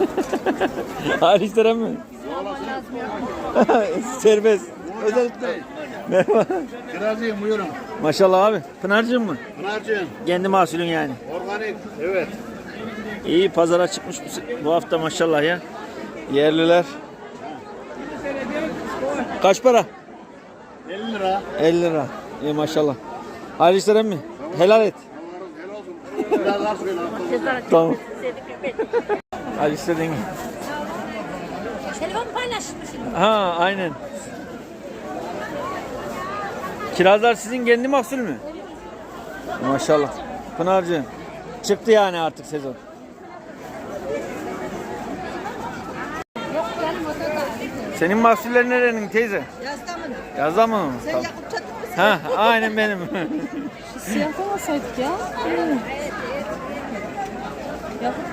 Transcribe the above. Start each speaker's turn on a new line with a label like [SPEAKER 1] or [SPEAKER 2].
[SPEAKER 1] Hayırlı işler mi? Serbest. Özellikle. Merhaba.
[SPEAKER 2] Kirazıyım buyurun.
[SPEAKER 1] Maşallah abi. Pınar'cığım mı?
[SPEAKER 2] Pınar'cığım.
[SPEAKER 1] Kendi mahsulün yani.
[SPEAKER 2] Organik. Evet.
[SPEAKER 1] İyi pazara çıkmış bu hafta maşallah ya. Yerliler. Kaç para?
[SPEAKER 2] 50 lira.
[SPEAKER 1] 50 lira. İyi maşallah. Hayırlı işler mi? Helal et.
[SPEAKER 2] Helal olsun. Biraz az söyle.
[SPEAKER 1] Tamam. Hayırlı işler yenge.
[SPEAKER 3] Telefon paylaşmışım.
[SPEAKER 1] Ha aynen. Kirazlar sizin kendi mahsul mü? Maşallah. Pınar'cığım. Çıktı yani artık sezon.
[SPEAKER 3] Yok canım o da da.
[SPEAKER 1] Senin mahsullerin nerenin teyze?
[SPEAKER 3] Yazda mı?
[SPEAKER 1] Yazda mı?
[SPEAKER 3] Sen
[SPEAKER 1] Tamam.
[SPEAKER 3] yakıp çatıp mısın?
[SPEAKER 1] Ha aynen benim.
[SPEAKER 4] Siyah olmasaydık ya. Yakıp